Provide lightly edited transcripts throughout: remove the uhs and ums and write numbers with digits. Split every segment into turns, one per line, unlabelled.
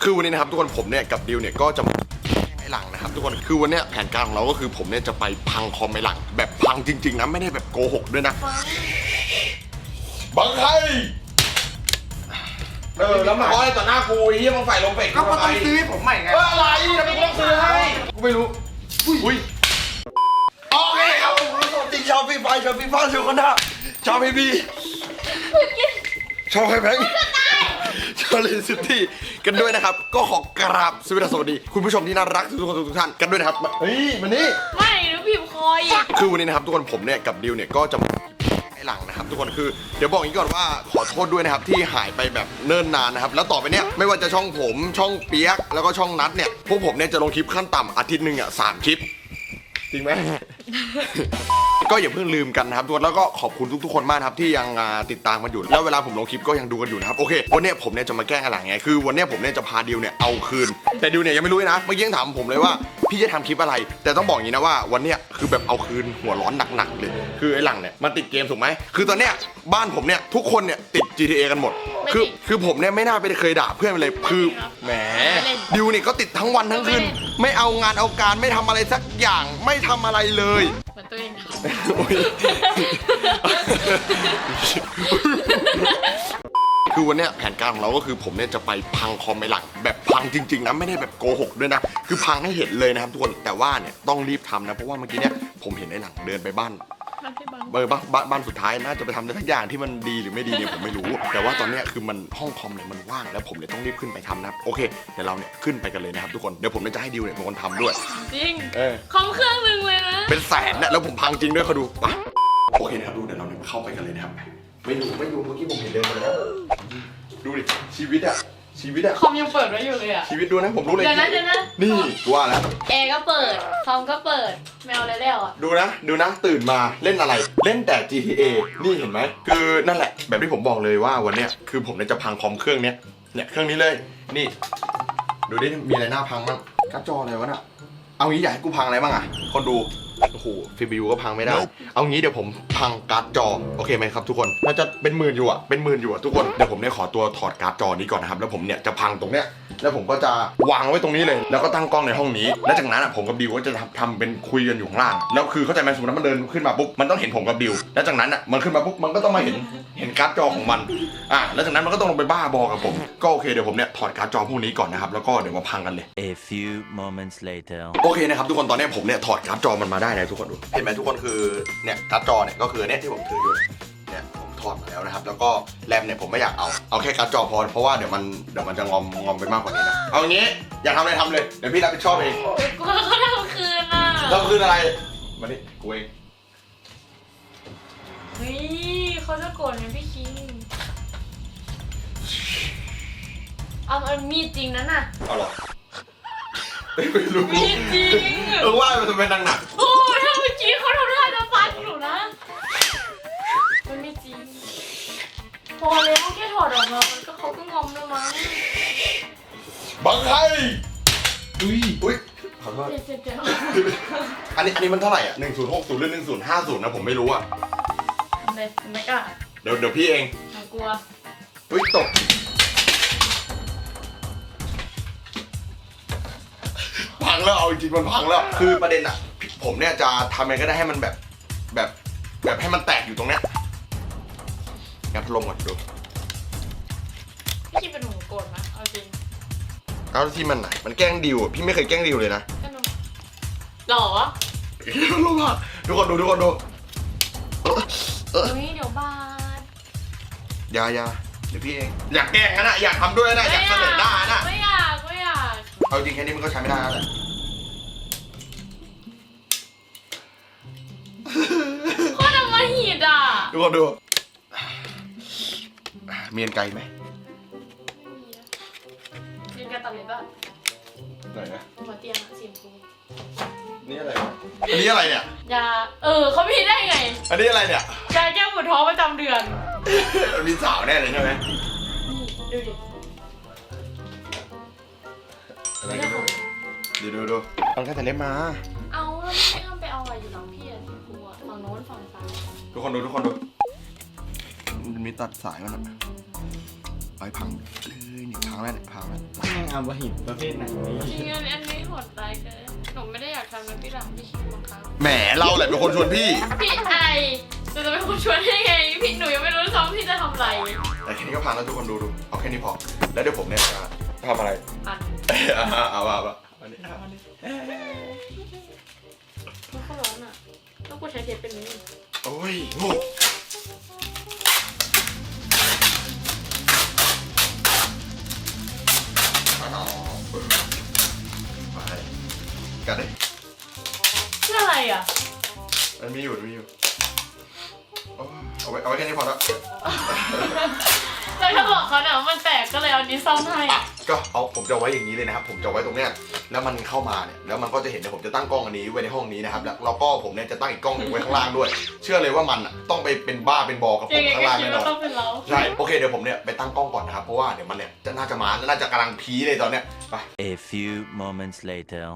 คือวันนี้นะครับทุกคนผมเนี่ยกับดิวเนี่ยก็จะไอ้หลังนะครับทุกคนคือวันนี้แผนการของเราก็คือผมเนี่ยจะไปพังคอมไอ้หลังแบบพังจริงๆนะไม่ได้แบบโกหกด้วยนะบังใครแล้วมาขออะไรต่อหน้ากูไอ้เหี้ยมึงใส่ลงเฟกก็ต้องซื้อให้ผมใหม่ไงอะไรทำไมกูต้องซื้อให้กูไม่รู้อุ้ยโอเคครับผมจริงชอบฟีฟ่าชอบฟีฟ่าชอบคนท่าชอบพีบีชอบใครแพงชอบเลนซิตี้กันด้วยนะครับก็ขอกราบสวัสดีคุณผู้ชมที่น่ารักทุกคนทุกท่านกันด้วยนะครับเฮ้ยมานี่
ไม่หนูพิมพ์คอย
คือวันนี้นะครับทุกคนผมเนี่ยกับดิวเนี่ยก็จะไอ้หลังนะครับทุกคนคือเดี๋ยวบอกอย่างนี้ก่อนว่าขอโทษด้วยนะครับที่หายไปแบบเนิ่นนานนะครับแล้วต่อไปเนี้ยไม่ว่าจะช่องผมช่องเปียกแล้วก็ช่องนัดเนี่ยพวกผมเนี่ยจะลงคลิปขั้นต่ำอาทิตย์หนึ่งอ่ะ3 คลิปจริงไหม ก็อย่าเพิ่งลืมกันนะครับทุกคนแล้วก็ขอบคุณทุกๆคนมากครับที่ยังติดตามกันอยู่แล้วเวลาผมลงคลิปก็ยังดูกันอยู่นะครับโอเควันนี้ผมเนี่ยจะมาแกล้งอะไรไงคือวันนี้ผมเนี่ยจะพาดิวเนี่ยเอาคืนแต่ดิวเนี่ยยังไม่รู้นะเมื่อกี้ยังถามผมเลยว่าพี่จะทำคลิปอะไรแต่ต้องบอกอย่างนี้นะว่าวันเนี้ยคือแบบเอาคืนหัวร้อนหนักๆเลยคือไอ้หลังเนี่ยมันติดเกมถูกไหมคือตอนเนี้ยบ้านผมเนี่ยทุกคนเนี่ยติด GTA กันหมดคือผมเนี่ยไม่น่าไปเคยด่าเพื่อนเลยคือแหมดิวเนี่ยก็ติดทั้งวันทั้งคืนไม่เอางานเอาการไม่ทำอะไรสักอย่างไม่ทำอะไรเลย
เหมือนตัวเอง
คือวันเนี้ยแผนการของเราก็คือผมเนี่ยจะไปพังคอมไอ้หลังแบบพังจริงๆนะไม่ได้แบบโกหกด้วยนะคือพังให้เห็นเลยนะครับทุกคนแต่ว่าเนี่ยต้องรีบทำนะเพราะว่าเมื่อกี้เนี่ยผมเห็นไอ้หลังเดินไปบ้านสุดท้ายน่าจะไปทำอะไรสักอย่างที่มันดีหรือไม่ดีเนี่ยผมไม่รู้แต่ว่าตอนเนี้ยคือมันห้องคอมเนี่ยมันว่างแล้วผมเลยต้องรีบขึ้นไปทำนะโอเคเดี๋ยวเราเนี่ยขึ้นไปกันเลยนะครับทุกคนเดี๋ยวผมจะให้ดิวเนี่ยเป็นคนทำด้วย
จริงคอมเครื่องนึงเลยนะ
เป็นแสนนะแล้วผมพังจริงด้วยเขาดูปะโอเคนะครับดูเดี๋ยวเราเนี่ยเข้าไปกันเลยนะครับไม่อยู่เมื่อกี้ผมเห็นเดินมาแล้วดูดิชีวิตอะ
คอมยังเปิดไว้อยู่เลยอะ
ชีวิตดูนะผมรู้เลย
เดี๋ยวนะ
นี่ว่าแล้ว
แอร์ก็เปิดคอมก็เปิดแมวอะไรแล้วอะ
ดูนะตื่นมาเล่นอะไรเล่นแต่ GTA นี่เห็นไหมคือนั่นแหละแบบที่ผมบอกเลยว่าวันเนี้ยคือผมเนี่ยจะพังคอมเครื่องเนี้ยเครื่องนี้เลยนี่ดูดิมีอะไรน่าพังบ้างการ์ดจออะไรวะน่ะเอางี้อยากให้กูพังอะไรบ้างอะคนดูโอ้โหCPUก็พังไม่ได้เอางี้เดี๋ยวผมพังการ์ดจอโอเคไหมครับทุกคนน่าจะเป็นหมื่นอยู่อะทุกคนเดี๋ยวผมเนี่ยขอตัวถอดการ์ดจอนี้ก่อนนะครับแล้วผมเนี่ยจะพังตรงเนี้ยแล้วผมก็จะวางไว้ตรงนี้เลยแล้วก็ตั้งกล้องในห้องนี้แล้วจากนั้นอะผมกับดิวก็จะทำเป็นคุยกันอยู่ข้างล่างแล้วคือเข้าใจไหมสมมติว่ามันเดินขึ้นมาปุ๊บมันต้องเห็นผมกับดิวแล้วจากนั้นอะมันขึ้นมาปุ๊บมันก็ต้องมาเห็นการ์ดจอของมันแล้วจากนั้นมันก็ต้องลงไปบ้าบอกับผมก็โอเคเดี๋ยวผมเนี่ยถอดการ์ดจอพวกนี้ก่อนนะครับแล้วก็เดี๋ยวมาพังกันเลย
A few moments later
โอเคนะครับทุกคนตอนนี้ผมเนี่ยถอดการ์ดจอมันมาได้นะทุกคนดูเห็นไหมทุกคนคือเนี่ยการ์ดจอเนี่ยก็คือเนี่ยที่ผมถืออยู่เนี่ยผมถอดมาแล้วนะครับแล้วก็แรมเนี่ยผมไม่อยากเอาแค่การ์ดจอพอเพราะว่าเดี๋ยวมันจะงอมไปมากกว่านี้นะเอาอย่างงี้อยากทำอะไรทำเลยเดี๋ยวพี่รับผิดชอบเอง
กูเขาทำคืนอ่ะ
ทำคืนอะไรมาดิกูเอง
เฮ้ยเขาจะโกรธไหมพี่คิงเอามีจริงนั้นน่ะ
เอาหรอไม่รู้
มีจริง
ว่ามันจะเป็นหนัก
โอ้ถ้าเมื่อกี้เขาทำท่าจะฟันหนูนะมันไม่จริงพอแล้วแค่ถอดออกมาเขาก็งอมแล้วมั้ง
บังใครอุ้ยขอโทษอันนี้มันเท่าไหร่อ่ะ1060หรือ1050นะผมไม่รู้อ่ะ
ไม่กล้า
เดี๋ยวพี่เอง
กลัว
อุ้ยตกพังแล้วเอาจริงมันพังแล้วคือประเด็นอ่ะผมเนี่ยจะทำยังไงก็ได้ให้มันแบบให้มันแตกอยู่ตรงเนี้ยงัดลงก่อนดู
พี่คิดเป็นหนูโกรธไหมเอาจริง
เอาที่มันไหนมันแกล้งดิวพี่ไม่เคยแกล้งดิวเลยนะ
หรอ
ลงอ่ะทุกคนดู
เฮ้ยเดี๋ยวบาด
อย่าเดี๋ยวพี่เองอยากแกล้งนะอยากทำด้วยนะอยากเสนอหน้านะ
ไม่อยาก
เอาจริงแค่นี้มันก็ใช้ไม่ได้แล้วแหละ
โคตรมาหิดอ่ะ
ทุกคนดูมีอันไกลไหม
มีกระตันเลยป่ะ
ไหนนะ
หัวเตียงสีชมพู
นี่อะไรอันนี้อะไรเนี่ย
ยาเขามีได้ไง
อันนี้อะไรเนี่ย
ยาแก้ปวดท้องประจำเดือน
มีสาวแน่เลยใช่ไหม
นี่ดูดิ
ดูต้องแค่แต่เล็บมา
เอาแล้วไม่ต้องไปเอาอะไรอยู่หลังพี่สีชมพูฝั่งโน้นฝั่งซ้าย
ทุกคนดูมันมีตัดสายมันไปพังเลยนี่พังแล้วเนี่ยพังแล้ว
แม่งเอาบะหินประเภทไหนวะ
จริงๆอันนี้โหดร้ายเกินหนูไม่ได้อยากทำนะพี่หลังพี่คิดบังคับ
แหมเราแหละเป็นคนชวนพี่
พี่ไอหนูจะเป็นคนชวนได้ไงพี่หนูยังไม่รู้ซ้ำพี่จะทำอะไร
แต่แค่นี้ก็พังแล้วทุกคนดูเอาแค่นี้พอแล้วเดี๋ยวผมเนี่ยจะทำอะไร
อัน
เอาอันนี้
มันก็ร้อนอ่ะต้องกูใช้เทปเป็นนี้
โอ้ยโง่ไปกัดดิ
เพื่ออะไรอ่ะ
มันมีอยู่โอ้ยเอาไว้แค่นี้พอแล้ว
แล้วถ้าบอกเขาเนี่ยว่ามันแตกก็เลยเอานี้ซ่อมให้
ก็เอาผมจะไว้อย่างนี้เลยนะครับผมจะไว้ตรงเนี้ยแล้วมันเข้ามาเนี่ยแล้วมันก็จะเห็นเนี่ยผมจะตั้งกล้องอันนี้ไว้ในห้องนี้นะครับแล้วก็ผมเนี่ยจะตั้งอีกกล้องหนึ่งไว้ข้างล่างด้วย เชื่อเลยว่ามันต้องไปเป็นบ้าเป็นบอกับผ
ยั
ม
งไง
ข้าง
ก็
ล่าง
คิด
แน่น
ว่า
อน
ต้องเป็นเรา
ใช่โอเคเดี๋ยวผมเนี่ยไปตั้งกล้องก่อนนะครับเพราะว่าเดี๋ยวมันเนี่ยจะน่าจะมาน่าจะกำลังพีเลยตอนเนี้ยไป
A few moments later.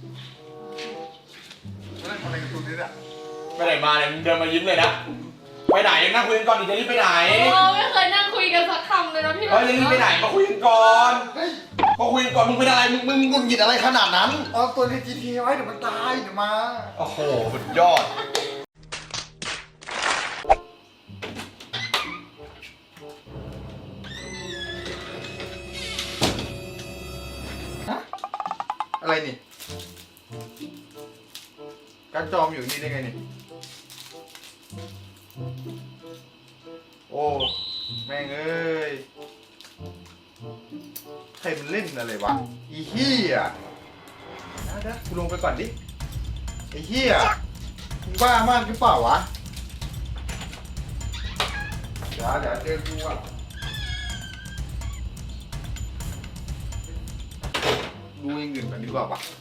ทำอะไรกับคุณนี่เนี่ยไปไหนมาเนี่ยมึงเดินมายิ้มเลยนะไปไหนยังนั่งคุยกันก่อนดิจะรีบไปไหน
ไม่เคยนั่งคุยกันสักคำเลยนะพี่
เฮ้ยจะรีบไปไหนมาคุยกันก่อนมาคุยกันก่อนมึงเป็นอะไรมึงหงุดหงิดอะไรขนาดนั้น
เอาตัวใน GTA ไว้เดี๋ยวมันตายเดี๋ยวมา
โอ้โหสุดยอด
อะไรนี่การจอมอยู่นี่ได้ไงนี่โอ้แม่งเอ้ยใครมันเล่นอะไรวะอีเหี้ยเดี๋ยวกูลงไปก่อนดิไอ้เหี้ยมึงบ้ามากหรือเปล่าวะเดี๋ยวเจอกูอ่ะดูอย่างอื่นกันดีกว่าปะ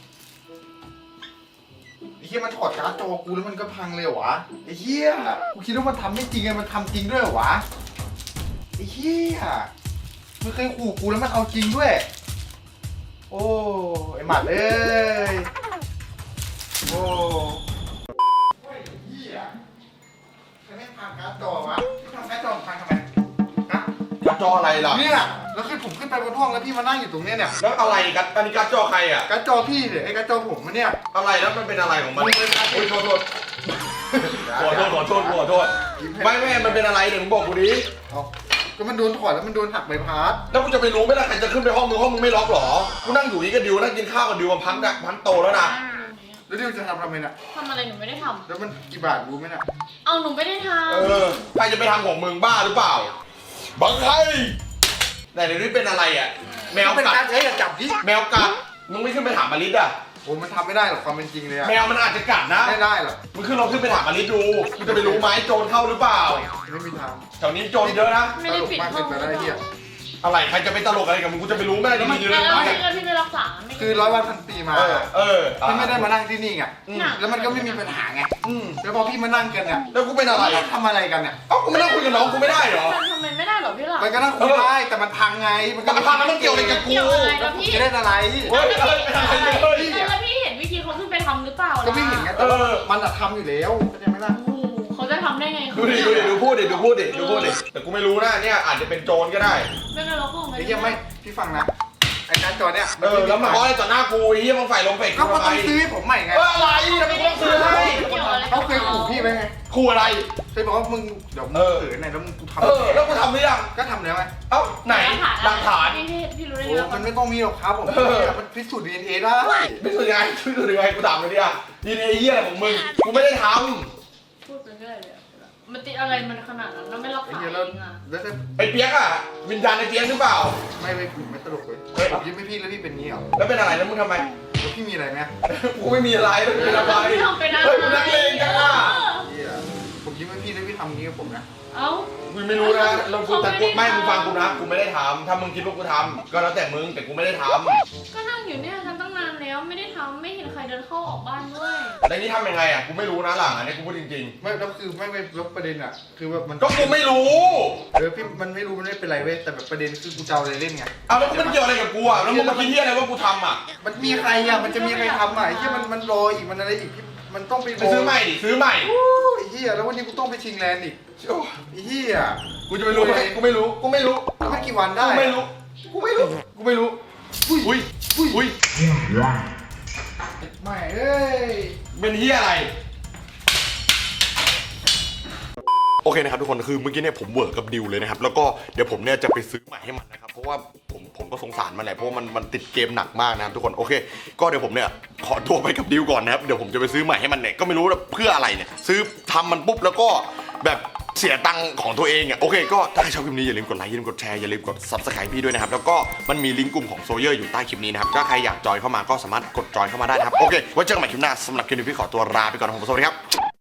ไอ้เหี้ยมันถอดการ์ดจอกูแล้วมันก็พังเลยเหรอวะไอ้เหี้ยกูคิดว่ามันทำไม่จริงไงมันทำจริงด้วยเหรอวะไอ้เหี้ยมันเคยขู่กูแล้วมันเอาจริงด้วยโอ้ไอ้หมัดเอ้ยโอ้ไอ้เหี้ยใครไม่พังการ์ดจอวะทำการ์ดจอพังทำไมฮะ
การ์ดจออะไรล่ะ
เนี่ยแล้วคือผมขึ้นไปบนห้องแล้วพี่มานั่งอยู่ตรงเนี้ยเนี่ย
แล้วอะไรกันอันนี้การ์ดจอใครอ่ะ
การ์ดจอพี่เนี่ยไอ้การ์ดจอผมมันเนี่ย
อะไรแล้วมันเป็นอะไรของมัน
มึงเป็นการ์ด
โอ้ยโทษขอโทษไม่มันเป็นอะไรเดี๋ยวมึงบอกกูดิ
เอาก็มันโดนถอดแล้วมันโดนหักใบพัด
แล้วกูจะไปรู้ไหมล่ะใครจะขึ้นไปห้องมึงไม่ล็อกหรอกูนั่งอยู่นี่กับดิวนั่งกินข้าวกับดิวมันพันโตแล้วนะ
แล้วดิวจะทำไมน่ะ
ทำอะไรหนูไม่ได้ท
แล้วมันกี่บาทรู้ไหมน่ะ
ำเอาหนูไม่ได้ท
ใครจะไปทำของมึงบ้าหรือเปล่าบังใครไหนเดี๋ยวนี้เป็นอะไรอ่ะแมว
เป็น
กั
การ
ด
ใช้อย่าจับดิ
แมวกัดมึงไม่ขึ้นไปถามอลิสอ่ะ
โอ้มันทำไม่ได้หรอกความเป็นจริงเลยอะ
แมวมันอาจจะกัดนะ
ไม่ได้หรอก
มึงขึ้นไปถามอลิสดูกูจะไปรู้ไหมโจรเข้าหรือเปล่า
ไม่มีทาง
แถวนี้โจรเยอะนะ
ำไม่ได้ปิด
มาก
ห้
เกิ
อง
นไปแล้วไอ้เหี้ย
อะไรใครจะไปตลกอะไรกับมึงกูจะไปรู้ไหมที่มีอยู่ใน
แล้ว
บ้าน
พี่ไม่รักษาไม่
คือร้อยวันพันปีมา พี่ไม่ได้มานั่งที่นี่ไง แล้วมันก็ไม่มีปัญหาไง แล้วพอพี่มานั่งกันเนี่ย
แล้วกูเป็นอะไร
ทำอะไรกันเนี่ย
เอ้ากูไม่นั่งคุยกับน้องกูไม่ได้เหรอ
ทำไมไม่ได้หรอพี่หลัง
มันก็นั่งคุยได้ แต่มันพังไง มันก็
มันพังแล้วมันเกี่ยวอะไรกับกู
เกี่ยวอะไรแล้วพี่
จะได้อะไร
เฮ้ยอะไรเป็นอะไรเลย
แล้วพี่เห็นวิธีเขาขึ้นไปทำหรือเปล่า
ก็ไม่เห็นไงแต่ว่ามันอะทำอยู่แล้วเข้าใจไหมล่ะ
โอ้โหเขาจะทำได้ไง
ดูพูดดิแต่กูไม่รู้นะเนี่ยอาจจะเป็นโจรก็ได้
ไม่เป็นไรเราก็
ไอ้เหี้ยไม่พี่ฟังนะไอ้การ์ดจอเนี่ย
แล้วมาอ้อยต่อหน้ากูไอ้เหี้ยมึงใส่ลงเฟก
เขา
กู
ก็
ทำไม
ต้องซื้อให้ผมใหม่ไง
อะไรทำไมกูต้องซื้อให้
เกี่ยวอะไร
เขาเคยขู่พี่ไหมไง
ขู่อะไร
เคยบอกว่ามึงเดี๋ยวมึงเขินไหนแล้วมึงกูทำ
แล้วกูทำหรือยัง
ก็ทำแล้วไง
เอ้าไหนหลักฐาน
พี่รู้ได้
โอ้
ไง
มันไม่ต้องมีหรอกครับผมมันพิสูจน์ DNA ได้
ไม่สุดยังไงกูถามเลยดิอ่ะดีเนเหี้ยอะไรของมึงกูไม่ได้ท
พูดไปเรื่อยเลยมันติดอะไรมันขนาดนั้นแล้วไม่รัก
ไอ้
ษา
เหี้ย
เอ
แล้ว
งอ่ะ
แล้วถ้า
ำไอ้เปียกอ่ะวิญญาณไอ้เปียกหรือเปล่า
ไม่ผมไม่ตลกเลยผมยิ้มให้พี่แล้วพี่เป็นงี้เหรอ
แล้วเป็นอะไรแล้วมึงทำไม
แล้วพี่มีอะไรไหม
กูไม่มีอะไรแล้วเป็นอะไร
ไม่ทำไปนะ
เฮ้ยมึงนักเลงจังอ่ะ
เหี้ยผมยิ้มให้พี่แล้วพี่ทำงี้กับผมนะ
เอ้า
กูไม่รู้นะเรากูแต่กูไม่มึงฟังกูนะกูไม่ได้ทำถ้ามึงคิดว่ากูทำก็แล้วแต่มึงแต่กูไม่ได้ท
ก็นั่งอยู่เนี่ยกันตั้งนานแล้วไม่ได้ทำไม่เห็นใครเดินเข้าออกบ้านด้วย
ำแล้วนี่ทำยังไงอ่ะกูไม่รู้นะหลังอันนี้กูพูดจริง
ไม่แล้วคือไม่แล้วประเด็นอ่ะคือแบบมัน
ๆก็กูไม่รู้
พี่มันไม่รู้มันไม่เป็นไรเว้ยแต่แบบประเด็นคือกูจะเอาอะไรเล่นไง
เอาแล้วมันเกี่ยวอะไรกับกูอ่ะแล้วมึงมาคิดเหี้ยอะไรว่ากูทำอ่ะ
มันมีใครอ่ะมันจะมีใครทำอ่ะไอ้เหี้ยมันรออีกมันอะไรอีกมันต้องไป
ไปซื้อใหม่ดิซื้อใหม่
โอ้ยไอ้เหี้ยแล้ววันนี้กูต้องไปชิงแลนด์อีก
โอ้
ไอ้เหี้ย
กูจะไปรู้ไหมกูไม่รู้
แล้วมันกี่วันได้
กูไม่รู้
น
กูไม่รู้อุ้ย
อุ้ยอุ้ย
ไม่เอ้ย
เป็นเฮียอะไรโอเคนะครับทุกคนคือเมื่อกี้เนี่ยผมเวิร์กกับดิวเลยนะครับแล้วก็เดี๋ยวผมเนี่ยจะไปซื้อใหม่ให้มันนะครับเพราะว่าผมก็สงสารมันแหละเพราะว่ามันติดเกมหนักมากนะครับทุกคนโอเคก็เดี๋ยวผมเนี่ยขอตัวไปกับดิวก่อนนะครับเดี๋ยวผมจะไปซื้อใหม่ให้มันเนี่ยก็ไม่รู้ว่าเพื่ออะไรเนี่ยซื้อทำมันปุ๊บแล้วก็แบบเสียตังค์ของตัวเองอ่ะโอเคก็ถ้าใครชอบคลิปนี้อย่าลืมกดไลค์อย่าลืมกดแชร์อย่าลืมกด Subscribe พี่ด้วยนะครับแล้วก็มันมีลิงก์กลุ่มของโซเยอร์อยู่ใต้คลิปนี้นะครับถ้าใครอยากจอยเข้ามาก็สามารถกดจอยเข้ามาได้นะครับโอเคไว้เจอกันใหม่คลิปหน้าสำหรับคลิปนี้พี่ขอตัวลาไปก่อนนะครับผมสวัสดีครับ